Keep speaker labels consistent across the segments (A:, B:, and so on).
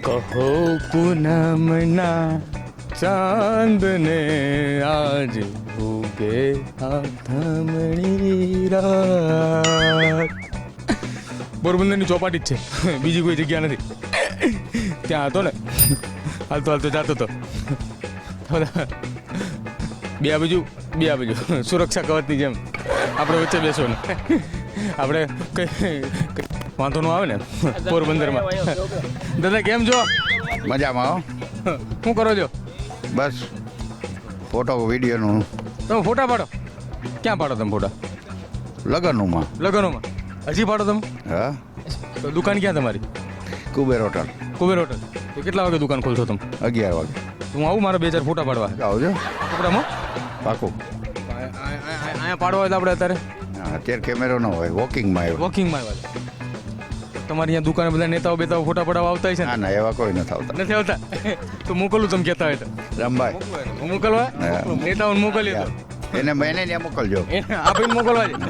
A: કહો પૂનમના ચાંદ ને આજ ઉગે આથમણી રાત. પોરબંદરની ચોપાટી જ છે, બીજી કોઈ જગ્યા નથી. ત્યાં હતો ને, હાલતો હાલતો જાતો હતો. બે આ બાજુ સુરક્ષા કવચની જેમ આપણે વચ્ચે બેસો ને આપણે કઈ વાંધો ન આવે ને પોરબંદરમાં. દાદા કેમ છો?
B: મજામાં હો.
A: શું કરો છો?
B: બસ ફોટો વિડીયોનું.
A: તમે ફોટા પાડો? ક્યાં પાડો તમે ફોટા?
B: લગ્નોમાં.
A: લગ્નોમાં હજી પાડો તમે?
B: હા.
A: તો દુકાન ક્યાં તમારી?
B: કુબેર હોટલ.
A: કુબેર હોટલ. તો કેટલા વાગે દુકાન ખોલશો તમે?
B: 11 વાગે.
A: હું આવું મારા 2-4 ફોટા પાડવા.
B: આવજો.
A: કપડામાં
B: પાકું.
A: અહીંયા પાડવા હોય તો આપણે અત્યારે
B: અત્યારે કેમેરો ન હોય, વોકિંગમાં આવ્યો.
A: વોકિંગમાં આવ્યા. તમારી અહીંયા દુકાને બધા નેતાઓ બેતાઓ ફોટા પડાવવા આવતા છે ને?
B: ના એવા કોઈ નથી આવતા.
A: નથી આવતા? તો મોકલું તમે કહેતા હોય તો
B: રામભાઈ
A: મોકલવા નેતાઓને મોકલીએ તો
B: એને મહિને ત્યાં મોકલજો.
A: આપીને મોકલવા છે.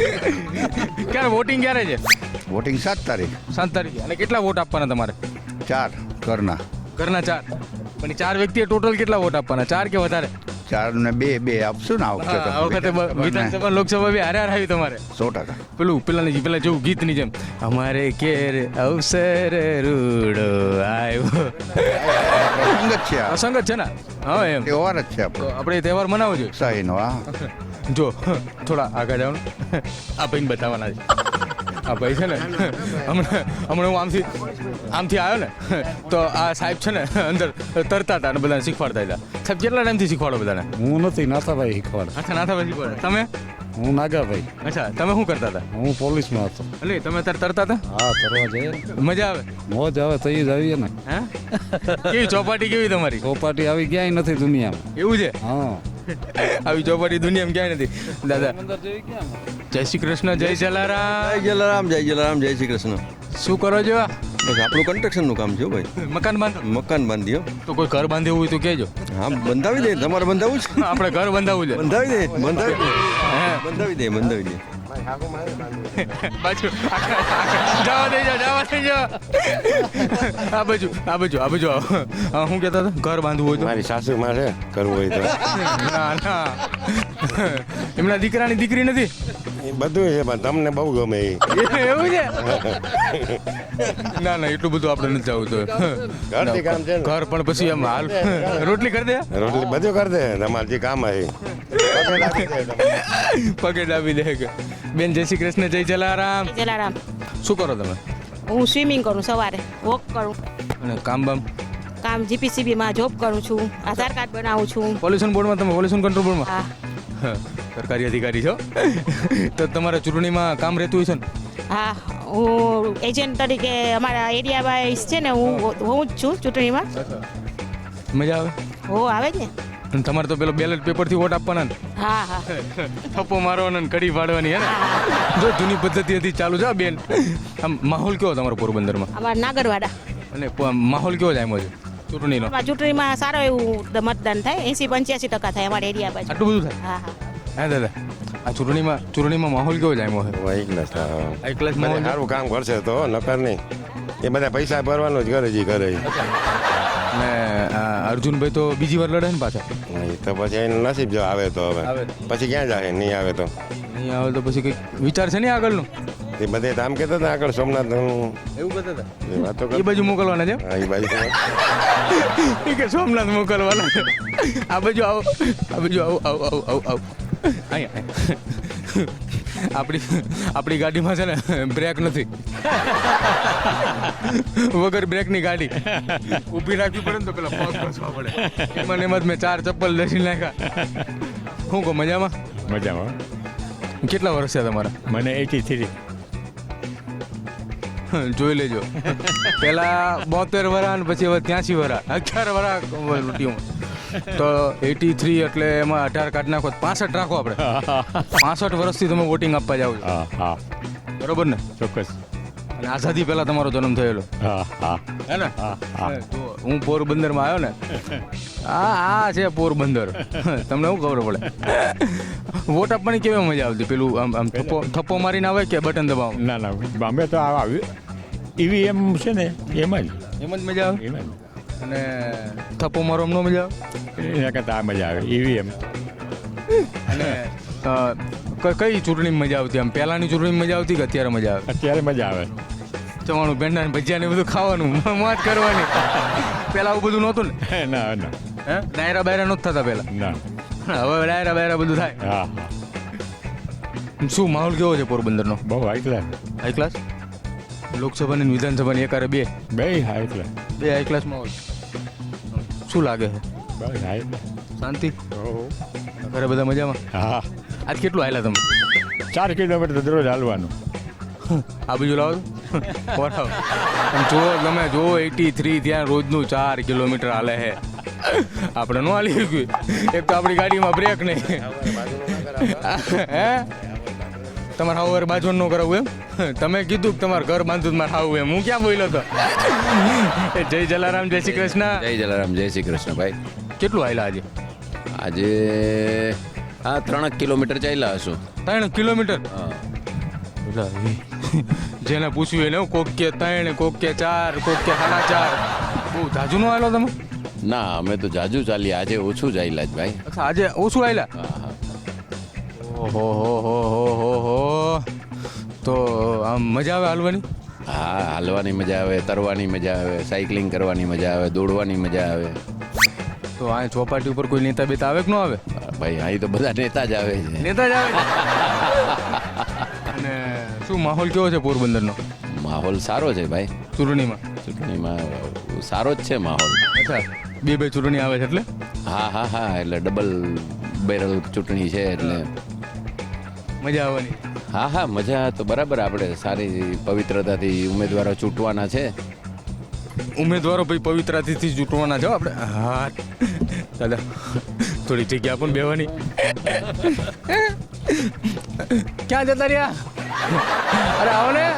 A: ક્યારે વોટિંગ ક્યારે છે?
B: વોટિંગ 7 તારીખ.
A: 7 તારીખે. અને કેટલા વોટ આપવાના તમારે?
B: 4 ઘરના.
A: ઘરના 4. પણ 4 વ્યક્તિએ ટોટલ કેટલા વોટ આપવાના? 4 કે વધારે?
B: 4 ને 2 આપશું ને આ વખતે.
A: આ વખતે વિધાનસભા લોકસભા બે હારે આવી તમારે.
B: 100%.
A: પેલા જેવું ગીતની જેમ અમારે કેર અવસર રૂડો આવ્યો.
B: સંગત છે આ.
A: સંગત છે ને? હા એમ
B: તહેવાર જ છે આપણો.
A: આપણે તહેવાર મનાવો જોઈએ.
B: સહીનો. હા
A: જો થોડા આગળ જાઓ ને, આ ભાઈને બતાવવાના છે. આ ભાઈ છે ને હમણાં હું આમથી આવ્યો ને તો આ સાહેબ છે ને અંદર તરતા હતા અને બધાને શીખવાડતા હતા. સાહેબ કેટલા ટાઈમથી શીખવાડો બધાને?
C: હું નથી, નાથાભાઈ શીખવાડે.
A: અચ્છા, નાથાભાઈ શીખવાડે. તમે?
C: હું નાગાભાઈ.
A: અચ્છા, તમે શું કરતા હતા?
C: હું પોલીસમાં હતો.
A: એટલે તમે અત્યારે તરતા હતા?
C: હા, તરવા જઈએ.
A: મજા આવે?
C: મોજ આવે તો જ આવીએ ને.
A: હા, કેવી ચોપાટી કેવી તમારી?
C: ચોપાટી આવી ક્યાંય નથી દુનિયામાં.
A: એવું છે?
C: હા,
A: આવી ચોપાટી દુનિયામાં ક્યાંય નથી. દાદા જય શ્રી કૃષ્ણ. જય જલારામ.
D: જય જલારામ, જય જલારામ, જય શ્રી કૃષ્ણ.
A: શું કરો છો?
D: બસ આપણું કન્સ્ટ્રક્શનનું કામ છે ભાઈ.
A: મકાન બાંધો?
D: મકાન બાંધ્યો.
A: તો કોઈ ઘર બાંધવું હોય તો કહેજો.
D: હા, બંધાવી દે. તમારે બંધાવું છે?
A: આપણે ઘર બાંધવું છે.
D: બંધાવી દે, બંધાવી દે,
A: હે
D: બંધાવી દે, બંધાવી દે.
A: બાજુ જવા દઈ જાઓ. આ બાજુ આવો. શું કહેતા હતા? ઘર બાંધવું હોય તો?
E: મારી સાસુમાં છે, કરવું હોય તો.
A: ના એમના દીકરાની દીકરી નથી?
E: એ બધું છે પણ તમને બહુ ગમે એ.
A: એવું છે? ના એટલું બધું આપણે નથી જવું તો.
E: ઘરથી કામ છે ને.
A: ઘર પણ પછી એમ હાલ રોટલી કરી દે.
E: રોટલી બધું કરી દે તમારે જે કામ આવે
A: પગે ડાબી દે. બેન જય શ્રી કૃષ્ણ. જય જલારામ.
F: જલારામ.
A: શું કરો તમે?
F: હું સ્વિમિંગ કરું, સવારે વોક કરું.
A: અને કામ
F: કામ જીપીસીબીમાં જોબ કરું છું, આધાર કાર્ડ બનાવું છું.
A: પોલ્યુશન બોર્ડમાં? તમે પોલ્યુશન કંટ્રોલ બોર્ડમાં?
F: હા.
A: સરકારી અધિકારી છો તો તમારા ચૂંટણીમાં કામ રહેતું હોય છે ને?
F: હા, હું એજન્ટ તરીકે અમારા એરિયા વાઇઝ છે ને, હું જ છું ચૂંટણીમાં.
A: મજા આવે?
F: હો, આવે જ ને.
A: અને તમારે તો પેલો બેલેટ પેપરથી વોટ આપવાના ને?
F: હા હા.
A: થપ્પો મારવાનો ને કડી પાડવાની હે ને? જો જૂની પદ્ધતિ હતી ચાલુ છે બેન. આમ માહોલ કેવો તમારો પોરબંદરમાં?
F: અમારા નાગરવાડા.
A: અને માહોલ કેવો જાય છે ચૂંટણીનો?
F: ચૂંટણીમાં સારો એવું મતદાન થાય, 80-85% થાય અમારા એરિયા બાજુ.
A: આટલું બધું થાય?
F: હા હા.
A: હા દાદા, આ ચૂંટણીમાં માહોલ કેવો જાય છે?
E: એકલા સારું કામ કરશે તો નકર નહીં. એ બધા પૈસા ભરવાનું જ કરે કરે.
A: અને અર્જુનભાઈ તો બીજી વાર લડે ને પાછા?
E: તો પછી એનું નસીબ જો આવે તો હવે પછી ક્યાં જાય, નહીં આવે તો
A: નહીં આવે તો પછી કંઈક વિચાર છે ને આગળનું?
E: એ બધે આમ કહેતા હતા આગળ સોમનાથ
A: એવું કહેતા હતા?
E: એ વાતો
A: એ બાજુ મોકલવાના છે?
E: હા, એ બાજુ
A: કે સોમનાથ મોકલવાના. આ બાજુ આવો. અહીંયા આપણી ગાડીમાં છે ને બ્રેક નથી. વગર બ્રેકની ગાડી ઊભી રાખવી પડે ને તો પેલા પગ ઘસવા પડે. એમાં મેં 4 ચપ્પલ લસી નાખ્યા. શું કહો, મજામાં?
G: મજામાં.
A: કેટલા વર્ષ છે તમારા?
G: મને 83.
A: જોઈ લેજો. પેલા 72 વર્ષ અને પછી હવે 83 વર્ષ, 11 વર્ષ લૂંટ્યું. તો 83 એટલે એમાં 18 કાઢ નાખો, 65 રાખો આપણે. 65 વર્ષથી તમે વોટિંગ આપવા જાઓ છો?
G: હા,
A: બરોબર ને?
G: ચોક્કસ.
A: અને આઝાદી પહેલા તમારો જન્મ થયેલો?
G: હા.
A: હે ને? જો હું પોરબંદરમાં આવ્યો ને, આ છે પોરબંદર. તમને શું ખબર પડે? વોટ આપવાની કેવી મજા આવતી? પેલું આમ થપ્પો મારીને આવે કે બટન દબાવો?
G: ના અમે તો આવ્યું ઈવીએમ છે ને એમાં જ
A: એમ જ મજા આવે
G: એમાં
A: અને થપ્પો મારો એમનો મજા આવે
G: જ એના કરતાં આ મજા આવે ઈવીએમ.
A: અને કઈ ચૂંટણીમાં મજા આવતી આમ પહેલાંની ચૂંટણીમાં મજા આવતી કે અત્યારે મજા આવે
G: અત્યારે મજા આવે.
A: ચવાણું ભેંડા ને ભજીયા ને બધું ખાવાનું મોજ કરવાની પહેલાં આવું બધું નહોતું ને
G: ના ના
A: હે ડાયરા બાયરા નહોતા થતા પહેલાં
G: ના.
A: હવે ડાયરા બાયરા બધું થાય
G: હા હા
A: શું માહોલ કેવો છે પોરબંદરનો
G: બહુ હાઈ ક્લાસ.
A: હાઈ ક્લાસ લોકસભાની અને વિધાનસભાની એકારે બે
G: બે હાઈ ક્લાસ.
A: હાઈ ક્લાસ માહોલ શું લાગે છે
G: બસ હાઈ.
A: શાંતિ
G: ઓહો.
A: ઘરે બધા મજામાં
G: હા
A: આજ કેટલું હાલ્યા તમે
G: 4 કિલોમીટર દરરોજ હાલવાનું.
A: આ બીજું લાવો બરાબર આમ જુઓ તમે જુઓ 83 ત્યાં રોજનું 4 કિલોમીટર હાલે છે આપણે ન હાલી ગયું એક તો આપણી ગાડીમાં બ્રેક નહીં હે તમારે હાવ બાજુ ન કરાવવું એમ તમે કીધું કે તમારે ઘર બાંધવું મારે હાવું એમ હું ક્યાં બોલ્યો તો જય જલારામ જય શ્રી કૃષ્ણ
H: જય જલારામ જય શ્રી કૃષ્ણ ભાઈ.
A: કેટલું હાલ્યા આજે
H: આજે 3 કિલોમીટર ચાલ્યા હશું.
A: 3 કિલોમીટર
H: હા.
A: જેને પૂછ્યું એને કોક કે 3 કોક કે 4 કોક કે 4.5 બહુ જાજુ નો આવેલો તમે
H: ના અમે તો જાજુ ચાલ્યા, આજે ઓછું ચાલ્યા જ ભાઈ.
A: અચ્છા આજે ઓછું આવેલા
H: હા હા.
A: ઓહો હો તો આમ મજા આવે હાલવાની
H: હા હાલવાની મજા આવે, તરવાની મજા આવે, સાયકલિંગ કરવાની મજા આવે, દોડવાની મજા આવે.
A: તો આ ચોપાટી ઉપર કોઈ નેતા બેતા આવે કે ન આવે
H: ભાઈ અહીં તો બધા નેતા જ આવે છે.
A: નેતા જ આવે અને શું માહોલ કેવો છે પોરબંદરનો
H: માહોલ સારો છે ભાઈ.
A: ચૂંટણીમાં
H: ચૂંટણીમાં સારો જ છે માહોલ.
A: અચ્છા બે ચૂંટણી આવે છે એટલે
H: હા હા હા એટલે ડબલ બેરલ ચૂંટણી છે એટલે
A: મજા આવવાની
H: હા હા મજા તો બરાબર. આપણે સારી પવિત્રતાથી ઉમેદવારો ચૂંટવાના છે.
A: ઉમેદવારો ભાઈ પવિત્રતાથી ચૂંટવાના છો આપણે હા દાદા થોડી જગ્યા પણ બેવાની ક્યાં જતા રહ્યા અરે આવો ને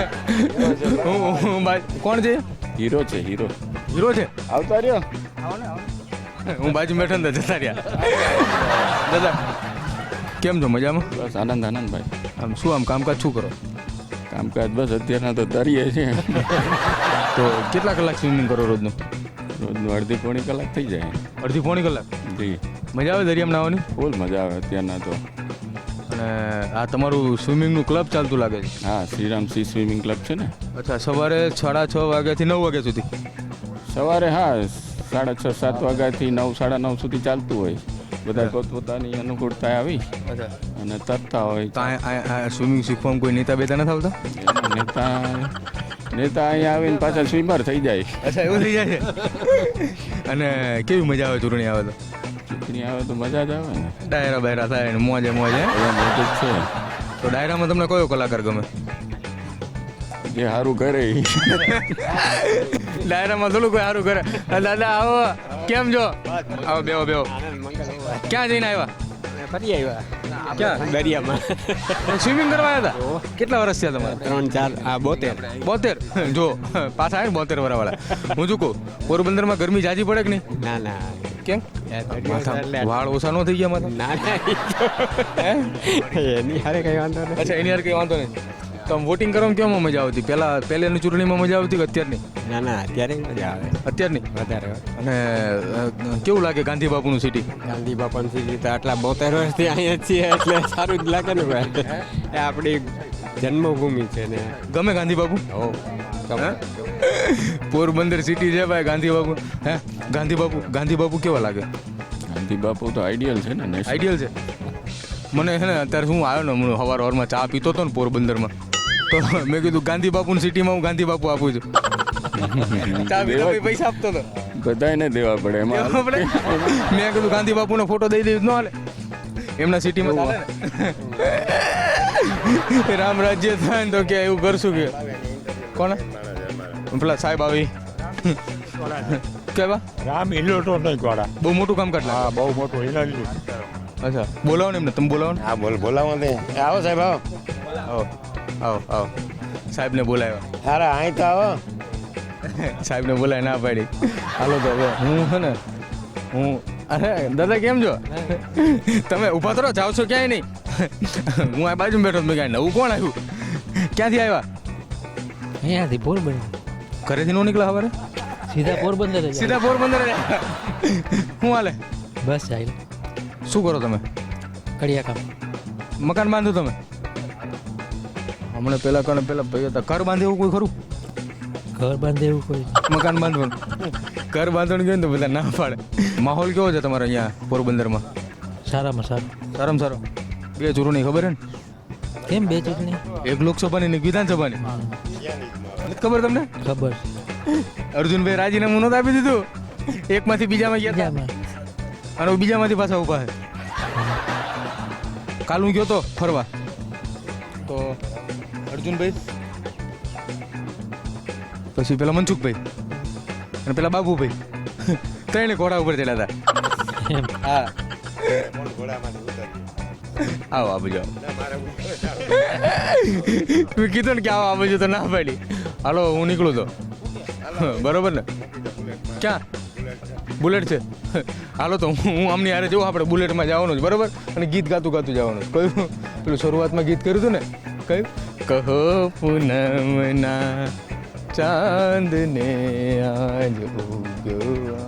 A: કોણ છે
C: હીરો છે હીરો.
A: હીરો છે
C: આવતા રહ્યો.
A: હું બાજુ બેઠો ને જતા રહ્યા દાદા કેમ છો મજામાં
C: બસ આનંદ આનંદ ભાઈ.
A: આમ શું આમ કામકાજ શું કરો
C: કામકાજ બસ અત્યારના તો તરીએ છે.
A: તો કેટલા કલાક સ્વિમિંગ કરો રોજનું
C: રોજનું અડધી પોણી કલાક થઈ જાય.
A: અડધી પોણી કલાક
C: જી
A: મજા આવે દરિયામાં નાહવાની
C: ફૂલ મજા આવે અત્યારના તો.
A: અને આ તમારું સ્વિમિંગનું ક્લબ ચાલતું લાગે છે
C: હા શ્રીરામ સી સ્વિમિંગ ક્લબ છે ને.
A: અચ્છા સવારે 6:30 વાગ્યાથી 9 વાગ્યા સુધી
C: સવારે હા 6:30 7 વાગ્યાથી 9 9:30 સુધી ચાલતું હોય. બધા પોતપોતાની અનુકૂળતા આવી
A: અચ્છા
C: અને તરતા હોય.
A: તો આ સ્વિમિંગ શીખવામાં કોઈ નેતા બેતા નથી આવતા
C: એમાં નેતા અહીંયા આવીને પાછા સ્વિમર થઈ જાય.
A: અચ્છા એવું થઈ જાય છે અને કેવી મજા આવે ચૂંટણી આવે તો
C: ચૂંટણી આવે તો મજા જ આવે ને.
A: ડાયરા બાયરા થાય ને મોજે મોજે
C: બધા મોટું જ છે.
A: તો ડાયરામાં તમને કયો કલાકાર ગમે
C: જે સારું કરે ઈ.
A: ડાયરામાં થોડું કોઈ સારું કરે દાદા આવો કેમ છો આવો બેહો ક્યાં જઈને આવ્યા
I: ફરી આવ્યા
A: ક્યાં
I: દરિયામાં
A: સ્વિમિંગ કરવા આવ્યા હતા કેટલા વર્ષ થયા તમારે
I: 3 4
A: 72 જો પાછા આવે ને 72 વાળા હું શું કહું પોરબંદરમાં ગરમી જાજી પડે કે નહીં
I: ના ના
A: કેમ માથા વાળ ઓછા ન થઈ ગયા માથા
I: ના ના એની હારે કઈ વાંધો નથી.
A: અચ્છા એની યાર કંઈ વાંધો નહીં તો આમ વોટિંગ કરવામાં કેમાં મજા આવતી પહેલાની ચૂંટણીમાં મજા આવતી કે અત્યારની
I: ના ના અત્યારે મજા આવે
A: અત્યારની
I: વધારે.
A: અને કેવું લાગે ગાંધી બાપુનું સિટી
I: ગાંધી બાપાની સીધી તો આટલા 72 વર્ષથી અહીંયા જ છીએ એટલે સારું જ લાગે ને ભાઈ. એ આપણી જન્મભૂમિ છે ને.
A: ગમે ગાંધી બાપુ
I: ગમે.
A: પોરબંદર સિટી છે ભાઈ ગાંધી બાપુ હે ગાંધી બાપુ કેવા લાગે
C: ગાંધી બાપુ તો આઈડિયલ છે ને.
A: આઈડિયલ છે મને છે ને અત્યારે હું આવ્યો ને હું સવારમાં ચા પીતો હતો ને પોરબંદરમાં તો મેં કીધું ગાંધી બાપુની સિટીમાં હું ગાંધી બાપુ આપું છું ચા પીતો પૈસા આપતો હતો
C: બધાને દેવા પડે એમાં.
A: મેં કીધું ગાંધી બાપુનો ફોટો દઈ દેવી ન હાલે એમના સિટીમાં ચાલે ને રામ રાજ્ય થાય ને તો કે એવું કરશું કે કોને પેલા સાહેબ આવી કેવા
G: રામ ઇલેક્ટ્રોનિક વાળા
A: બહુ મોટું કામ કાઢ
G: હા બહુ મોટું એનર્જી.
A: અચ્છા બોલાવો ને એમને તમે બોલાવો ને
E: હા બોલાવો ને આવો સાહેબ આવો
A: આવો સાહેબને બોલાવ્યા
E: સારા અહીં તો આવો
A: સાહેબને બોલાય ના પાડી હાલો તો હવે હું છે ને અરે દાદા કેમ છો તમે ઊભા તો જાઓ છો ક્યાંય નહીં હું આ બાજુ બેઠો મેં કાંઈ નવું કોણ આવ્યું ક્યાંથી આવ્યા
J: અહીંયાથી પોરબંદર
A: ઘરેથી નો નીકળ્યા સવારે
J: સીધા પોરબંદર જ
A: સીધા પોરબંદર જ. શું હાલે
J: બસ જાય
A: શું કરો તમે
J: કડિયા કામ
A: મકાન બાંધો તમે હમણાં પેલા ભાઈ હતા ઘર બાંધે એવું કોઈ ખરું
J: ઘર બાંધે એવું કોઈ
A: મકાન બાંધવાનું ઘર બાંધવાનું કહે ને તો બધા ના પાડે માહોલ કેવો છે તમારે અહીંયા પોરબંદરમાં
J: સારામાં સારું
A: સારામાં સારો 2 ચૂંટણી ખબર હે ને
J: કેમ 2 ચૂંટણી
A: એક લોકસભાની ને એક વિધાનસભાની નથી ખબર તમને
J: ખબર
A: અર્જુનભાઈ રાજીનામું નહોતું આપી દીધું એકમાંથી બીજામાં ગયા હતા. અને બીજામાંથી પાછા ઊભા છે કાલ હું ગયો તો ફરવા તો અર્જુનભાઈ પછી પેલા મનસુખભાઈ અને પેલા બાબુભાઈ ત્રણે ઘોડા ઉપર ચડ્યા હતા હા આવો આ બાજુ મેં કીધું ને કે આવો આ બાજુ તો ના પાડી હાલો હું નીકળું તો બરોબર ને ક્યાં બુલેટ છે હાલો તો હું આમની હારે જવું આપણે બુલેટમાં જવાનું છે બરોબર અને ગીત ગાતું જવાનું છે કયું પેલું શરૂઆતમાં ગીત કર્યું હતું ને કયું કહો પૂનમના ચાંદ ને આજ ઉગ્યો